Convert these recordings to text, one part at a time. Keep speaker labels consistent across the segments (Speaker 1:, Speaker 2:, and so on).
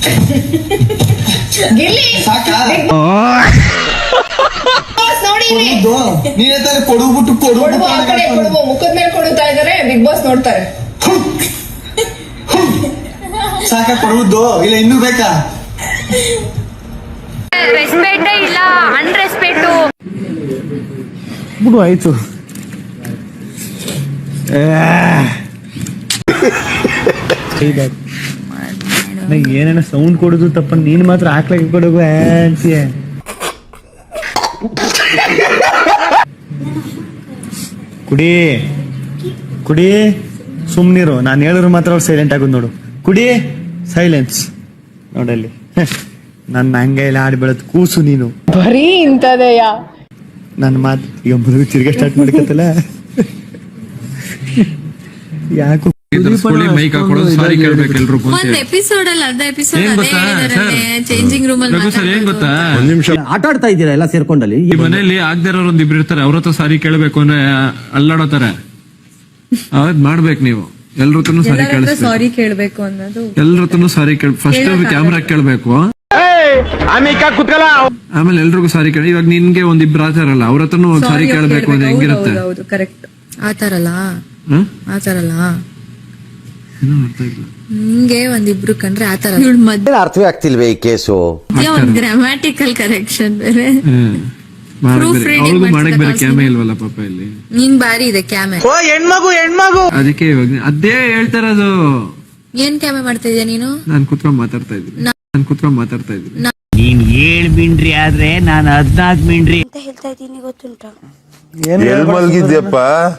Speaker 1: ಗಿಲ್ಲಿ
Speaker 2: ಸಾಕಾ
Speaker 1: ನೋಡಿ
Speaker 2: ನೀನೇ ತಾನೇ ಕೊಡುಬಿಟ್ಟು
Speaker 1: ಕೊಡುವ ಆ ಕಡೆ ಕೊಡುವ ಮುಖದ ಮೇಲೆ ಕೊಡುತ್ತಾ ಇದಾರೆ. ಬಿಗ್ ಬಾಸ್ ನೋಡ್ತಾರೆ.
Speaker 2: ಸಾಕ ಕೊಡುವುದು ಇಲ್ಲ ಇನ್ನೂ ಬೇಕಾ?
Speaker 3: ರೆಸ್ಪೆಕ್ಟೇ ಇಲ್ಲ, ಅನ್ರೆಸ್ಪೆಕ್ಟು.
Speaker 4: ಬಿಡು ಆಯ್ತು. ಏನೇನ ಸೌಂಡ್ ಕೊಡುದು ತಪ್ಪ, ನೀನ್ ಮಾತ್ರ ಹಾಕ್ಲಕ್ಕೆ ಕೊಡುವ ಅಂತೀಯ. ಕುಡಿ ಕುಡಿ ಸುಮ್ನಿರು, ನಾನು ಹೇಳಿದ್ರು ಮಾತ್ರ ಅವ್ರು ಸೈಲೆಂಟ್ ಆಗೋದು ನೋಡು. ಕುಡಿ ಸೈಲೆನ್ಸ್ ನೋಡಲ್ಲಿ. ನನ್ನ ಹಂಗೆ ಎಲ್ಲ ಆಡಿ ಬೆಳೆದ್ ಕೂಸು ನೀನು.
Speaker 1: ಬರೀ ಇಂತದೆಯ
Speaker 4: ನನ್ನ ಮಾತು ಈಗ ಮೊದಲು ತಿರ್ಗಾ ಸ್ಟಾರ್ಟ್ ಮಾಡ್ಕತ್ತಲ್ಲ. ಯಾಕೋ
Speaker 5: ಮೈಕ್ ಹಾಕೊಳ್ಳೋದು ಸಾರಿ ಕೇಳ್ಬೇಕು ಎಲ್ರು.
Speaker 3: ಒಂದ್ ಎಪಿಸೋಡ್ ಅಲ್ಲ, ಅರ್ಧ ಎಪಿಸೋಡ್ ಚೇಂಜಿಂಗ್ ರೂಮ್ ಅಲ್ಲಿ
Speaker 5: ಸರ್ ಏನ್ ಗೊತ್ತಾ,
Speaker 6: ಒಂದ್ ನಿಮಿಷ ಆಟ ಆಡ್ತಾ ಇದ್ದೀರಾ ಎಲ್ಲ ಸೇರ್ಕೊಂಡಲ್ಲಿ.
Speaker 5: ಈ ಮನೆಯಲ್ಲಿ ಆಗದೆ ಇರೋರು ಒಂದಿಬ್ರು ಇರ್ತಾರೆ, ಅವ್ರ ಹತ್ರ ಸಾರಿ ಕೇಳಬೇಕು ಅಂದ್ರೆ ಅಲ್ಲಾಡೋತಾರೆ. ಅದ್ ಮಾಡ್ಬೇಕು ನೀವು. ಎಲ್ರ ಹತ್ರನು ಸಾರಿ ಕೇಳಿಸ್ಬೇಕು,
Speaker 3: ಸಾರಿ ಕೇಳ್ಬೇಕು ಅನ್ನೋದು.
Speaker 5: ಎಲ್ರ ಹತ್ರನು ಸಾರಿ ಫಸ್ಟ್ ಕ್ಯಾಮ್ರಾ ಕೇಳ್ಬೇಕು, ಆಮೇಲೆ ಎಲ್ರಿಗೂ ಸಾರಿ ಕೇಳಿ. ಇವಾಗ ನಿನ್ಗೆ ಒಂದಿಬ್ರು ಆಚಾರಲ್ಲ, ಅವ್ರ ಹತ್ರನು ಸಾರಿ ಕೇಳ್ಬೇಕು ಅಂದ್ರೆ ಹೆಂಗಿರುತ್ತೆ?
Speaker 3: ಕರೆಕ್ಟ್. ಆತರಲ್ಲ ಆತರಲ್ಲ
Speaker 5: ಏನೋ ಅರ್ಥ ಇಲ್ಲ.
Speaker 3: ನಿಂಗೆ ಒಂದಿಬ್ರು ಕಂಡ್ರೆ ಆತರ ಮಧ್ಯ
Speaker 6: ಅರ್ಥವೇ ಆಗ್ತಿಲ್ವೇ ಈ ಕೇಸು?
Speaker 3: ಒಂದ್ ಗ್ರಾಮ್ಯಾಟಿಕಲ್ ಕರೆಕ್ಷನ್ ಬೇರೆ.
Speaker 5: ಅವ್ರಿಗೂ ಮಾಡಕ್ ಬೇರೆ ಕ್ಯಾಮೆ ಇಲ್ವಲ್ಲ ಪಾಪ ಇಲ್ಲಿ.
Speaker 3: ನಿನ್ ಬಾರಿ ಇದೆ ಕ್ಯಾಮೆ.
Speaker 5: ಅದಕ್ಕೆ ಇವಾಗ ಅದೇ ಹೇಳ್ತಾ ಇರೋದು.
Speaker 3: ಏನ್ ಕ್ಯಾಮೆ ಮಾಡ್ತಾ ಇದೀಯ ನೀನು?
Speaker 5: ನಾನ್ ಕುತ್ಕೊಂಡ್ ಮಾತಾಡ್ತಾ ಇದ್ದೀನಿ.
Speaker 7: ನೀನ್ 7 ಮಿಂಡ್ರಿ ಆದ್ರೆ ನಾನು 14 ಮಿಂಡ್ರಿ
Speaker 8: ಅಂತ ಹೇಳ್ತಾ ಇದ್ದೀನಿ, ಗೊತ್ತುಂಟಾ?
Speaker 9: ಎಲ್ ಮಲ್ಗಿದ್ಯಪ್ಪ?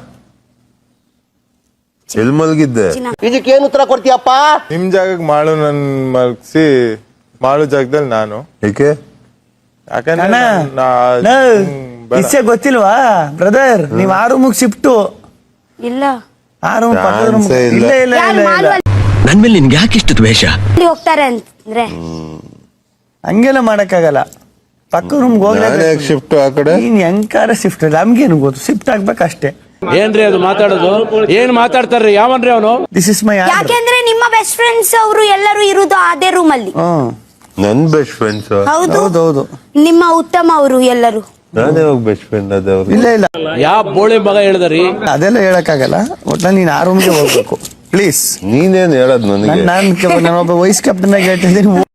Speaker 9: ಎಲ್ ಮಲ್ಗಿದ್ದೆ?
Speaker 6: ಇದಕ್ಕೇನು ಉತ್ತರ ಕೊಡ್ತೀಯಪ್ಪ?
Speaker 9: ನಿಮ್ ಜಾಗಕ್ಕೆ ಮಾಳು ನನ್ ಮಲ್ಗಿಸಿ, ಮಾಳು ಜಾಗದಲ್ಲಿ ನಾನು. ಏಕೆ? ಯಾಕಂದ್ರೆ
Speaker 4: ಇಷ್ಟೇ ಗೊತ್ತಿಲ್ವಾ ಬ್ರದರ್? ನೀವ್ ಆ ರೂಮಿಗೆ ಶಿಫ್ಟು.
Speaker 8: ಇಲ್ಲ,
Speaker 4: ಆ ರೂಮ್ ಪಕ್ಕದ ರೂಮ್. ಇಲ್ಲ ಇಲ್ಲ ಇಲ್ಲ,
Speaker 6: ನನ್ ಮೇಲೆ ನಿನ್ಗೆ ಯಾಕೆ ಇಷ್ಟು ದ್ವೇಷ?
Speaker 8: ಹೋಗ್ತಾರೆ ಅಂದ್ರೆ
Speaker 4: ಹಂಗೆಲ್ಲ ಮಾಡಕ್ಕಾಗಲ್ಲ. ಪಕ್ಕ ರೂಮ್ಗೆ ಹೋಗ್ಲೇ
Speaker 9: ಶಿಫ್ಟ್ ಆ ಕಡೆ.
Speaker 4: ನೀನ್ ಹೆಂಗಾರ ಶಿಫ್ಟ್, ನಮ್ಗೇನು ಗೊತ್ತು, ಶಿಫ್ಟ್ ಆಗ್ಬೇಕಷ್ಟೇ.
Speaker 6: ಏನ್ರಿ ಅದು ಮಾತಾಡೋದು? ಏನ್ ಮಾತಾಡ್ತಾರ್ರಿ? ಯಾವನ್ರಿ ಅವನು?
Speaker 4: This is my.
Speaker 8: ಯಾಕೆಂದ್ರೆ ನಿಮ್ಮ ಬೆಸ್ಟ್ ಫ್ರೆಂಡ್ಸ್ ಅವರು ಎಲ್ಲರೂ ಇರುವುದು ಅದೇ ರೂಮ್ ಅಲ್ಲಿ.
Speaker 9: ನನ್ ಬೆಸ್ಟ್ ಫ್ರೆಂಡ್ಸ್?
Speaker 4: ಹೌದೌದು.
Speaker 8: ನಿಮ್ಮ ಉತ್ತಮ ಅವರು ಎಲ್ಲರೂ.
Speaker 9: ನಾನೇ ಹೋಗ್ ಬೆಸ್ಟ್ ಫ್ರೆಂಡ್ ಅದೇವ್ರು.
Speaker 4: ಇಲ್ಲ ಇಲ್ಲ,
Speaker 6: ಯಾವ ಬೋಳಿ ಮಗ ಹೇಳ್ದರಿ?
Speaker 4: ಅದೆಲ್ಲ ಹೇಳಕ್ಕಾಗಲ್ಲ. ಒಟ್ನಲ್ಲಿ ನೀನ್ ಆ ರೂಮ್ಗೆ ಹೋಗ್ಬೇಕು ಪ್ಲೀಸ್.
Speaker 9: ನೀನೇನ್ ಹೇಳದ್ ನನಗೆ?
Speaker 4: ನಾನೊಬ್ಬ ವೈಸ್ ಕ್ಯಾಪ್ಟನ್ ಆಗಿ ಹೇಳ್ತಿದ್ದೀನಿ.